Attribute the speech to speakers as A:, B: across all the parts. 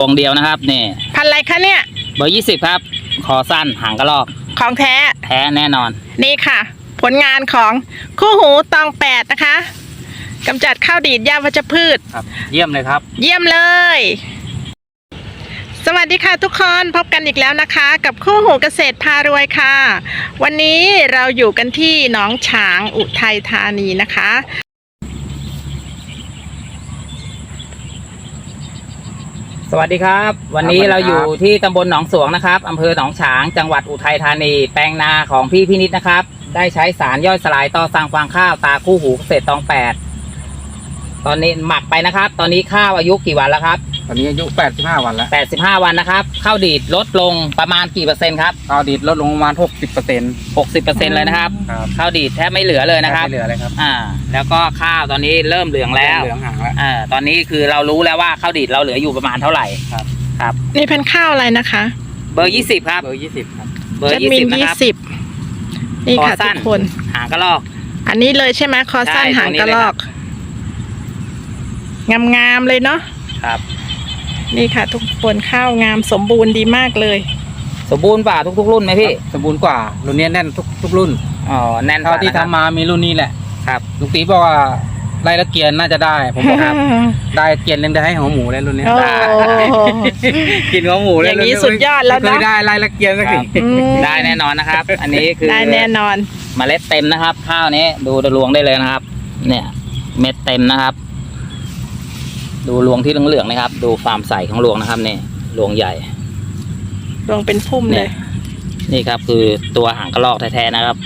A: วงเดียวนะครับนี่
B: พันอะไรคะเนี่ย
A: เบอร์20ครับคอสั้นหางกระรอก
B: ของแท้
A: แน่นอน
B: นี่ค่ะผลงานของคู่หูตอง8นะคะกำจัดข้าวดีดหญ้าวัชพืช
A: ครับเยี่ยมเลยครับ
B: เยี่ยมเลยสวัสดีค่ะทุกคนพบกันอีกแล้วนะคะกับคู่หูเกษตรพารวยค่ะวันนี้เราอยู่กันที่หนองฉางอุทัยธานีนะคะ
A: สวัสดีครับวันนี้เราอยู่ที่ตำบลหนองสวงนะครับอำเภอหนองฉางจังหวัดอุทัยธานีแปลงนาของพี่พินิจนะครับได้ใช้สารย่อยสลายต่อสั่งฟางข้าวตาคู่หูเกษตรตอง8ตอนนี้หมักไปนะครับตอนนี้ข้าวอายุกี่วันแล้วครับ
C: ตอนนี้อายุ85วันแล้ว
A: 85วันนะครับข้าวดีดลดลงประมาณกี่เปอร์เซ็นต์ครับ
C: ข้าวดีดลดลงประมาณ60%
A: เลยนะครับข้าวดีดแทบไม่เหลือเลยนะครับ
C: ไม่เหลือเลยครับ
A: แล้วก็ข้าวตอนนี้เริ่มเหลืองแล้ว
C: เหลืองหางแล้ว
A: ตอนนี้คือเรารู้แล้วว่าข้าวดีดเราเหลืออยู่ประมาณเท่าไหร่ครับ
B: นี่พันข้าวอะไรนะคะ
A: เบอร์20ครับ
C: เบอร์20ครับ
A: เบอร์20นะครับ
B: นี่ค่ะทุกคน
A: หางกระรอก
B: อันนี้เลยใช่ไหมคอสั้นหางกระรอกงามๆเลยเนาะ
A: ครับ
B: นี่ค่ะทุกคนข้าวงามสมบูรณ์ดีมากเลย
A: สมบูรณ์กว่าทุกรุ่นไหมพี่
C: สมบูรณ์กว่ารุ่นนี้แน่นทุกรุ่น
A: แน่น
C: เท่าที่ทำมามีรุ่นนี้แหละ
A: ครับ
C: ลุงตีบอกว่าไล่ละเกียนน่าจะได้ผมบอกครับได้เกียนเล่นได้ให้หัวหมูเลยรุ่นนี้กินหัวหมูเลย
B: อย่างนี้สุดยอดแล้วนะ
C: ได้ไล่ละเกียนสักที
A: ได้แน่นอนนะครับอันนี้คือ
B: ได้แน่นอน
A: เมล็ดเต็มนะครับข้าวนี้ดูรวงได้เลยนะครับเนี่ยเม็ดเต็มนะครับดูรวงที่เหลืองๆนะครับดูความใสของรวงนะครับนี่รวงใหญ่
B: รวงเป็นพุ่มเลย
A: นี่ครับคือตัวหางกระรอกแท้ๆนะครับ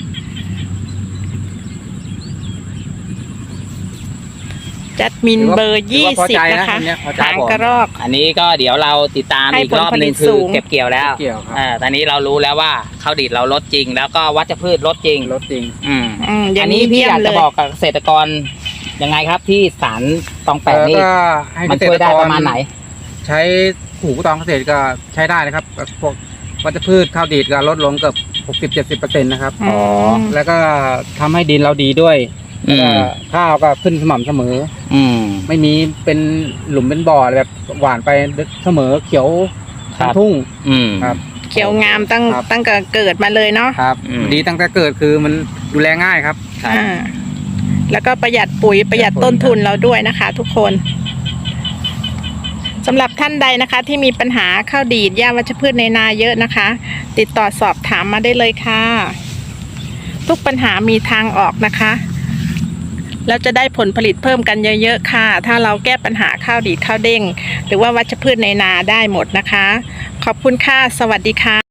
B: จัดมินเบอร์20นะคะหางกระรอก
A: อันนี้ก็เดี๋ยวเราติดตามอีกรอบนึงคือเก็บเกี่ยวแล้วตอนนี้เรารู้แล้วว่าข้าวดีดเราลดจริงแล้วก็วัชพืชลดจริงอันนี้พี่อยากจะบอกกับเกษตรกรยังไงครับที่สารตอง8นี่มันช่วยได้ประมาณไหน
C: ใช้หูตองเกษตรก็ใช้ได้นะครับพวกวัชพืชข้าวดีดก็ลดลงเกือบ60-70%นะครับแล้วก็ทำให้ดินเราดีด้วยข้าวก็ขึ้นสม่ำเสมอไม่มีเป็นหลุมเป็นบ่อแบบหวานไปเสมอเขียวทั้งทุ่ง
B: ครับเขียวงามตั้งแต่เกิดมาเลยเนาะ
C: ครับดีตั้งแต่เกิดคือมันดูแลง่ายครับ
B: แล้วก็ประหยัดปุ๋ยประหยัดต้นทุนเราด้วยนะคะทุกคนสำหรับท่านใดนะคะที่มีปัญหาข้าวดีดหญ้าวัชพืชในนาเยอะนะคะ ติดต่อสอบถามมาได้เลยค่ะทุกปัญหามีทางออกนะคะแล้วจะได้ผลผลิตเพิ่มกันเยอะๆค่ะถ้าเราแก้ปัญหาข้าวดีดข้าวเด้งหรือว่าวัชพืชในนาได้หมดนะคะขอบคุณค่ะสวัสดีค่ะ